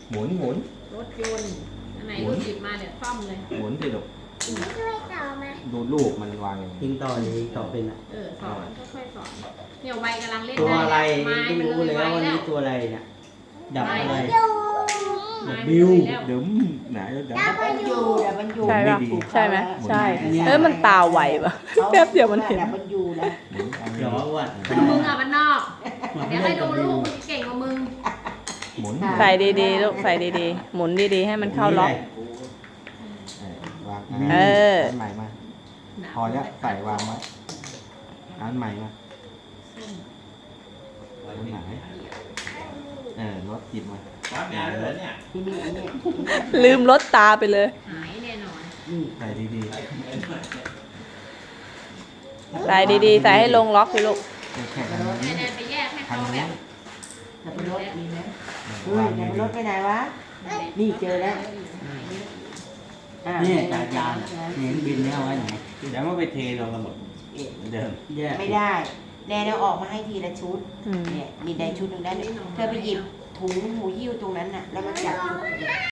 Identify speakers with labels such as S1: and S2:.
S1: หมุนหมุน
S2: รถยนต์อันไหนลูกหยิบมาเดี๋ยวซ่อมเลย
S1: หมุนสิลูก
S3: ช่วยต่อมา
S1: ดูลูกมันวางยังไง
S4: ยิงต่อเลยต่อเป็นอะ
S2: สอนค่อยๆสอนเนี่ยวัยกำลังเล่น
S4: ตัว
S2: ได้
S4: อะไร
S2: ไม้
S4: ไม่
S2: มัน
S4: รู้
S2: เล
S4: เลย ย
S2: ไว้
S4: ว่าวัน
S2: แล้
S4: นี้
S2: ว
S4: ตัวอะไรเนี่ยดับอะไร
S3: อยู่
S2: ไม้
S4: บิว
S2: มันเลยแล้ว
S1: เดี๋ยวไหนเดี๋ยว
S3: ดับมันอยู่
S5: ใช่ป่ะ
S1: ดี
S5: ใช่ไหมใช่
S4: อันเนี้ย
S5: มันตาไวป่ะแป๊บเดียวมันเห็น
S1: หมุนเอา
S4: เดี๋ยวว่า
S2: มึงอ่ะมันนอก เดี๋ยวให้ดูลูกมึงเก่งกว่ามึง
S1: หมุน
S5: ใส่ดีๆลูกใส่ดีๆหมุนดีๆให้มันเข้าล็อก
S1: วาง
S5: เออ
S1: อันใหม่มาพอแล้วใส่วางไว้อันใหม่มาอันไหนรถจิบมา
S6: วัดงานเลยเนี่ย
S5: ลืมลดตาไปเลย
S2: หายแน่นอน
S1: ใส่ดี
S5: ใส่ดีๆใส่ให้ลงล็อกสิลูก
S1: ๆแค่อันนี้
S2: แน่ๆไปแยกให้เขาแบบ
S7: สับปะรดมีไหม
S1: วาง
S7: สับ
S1: ดี
S7: ปะรดไปไหนวะ นี่เจอแล้ว
S4: นี่จ่ายยานเห็นบินเนี่ยเอาไว้ไหน
S1: ๆแล้วมันไปเทลงกันหมดเหมือนเดิม
S4: แยก
S7: ไม่ได้ แนนเอาออกมาให้ทีละชุด
S5: อืม
S7: เนี่ยมีได้ชุดหนึ่งได้เธอไปหยิบถุงหูหิ้วตรงนั้นน่ะ แล้วมาจับ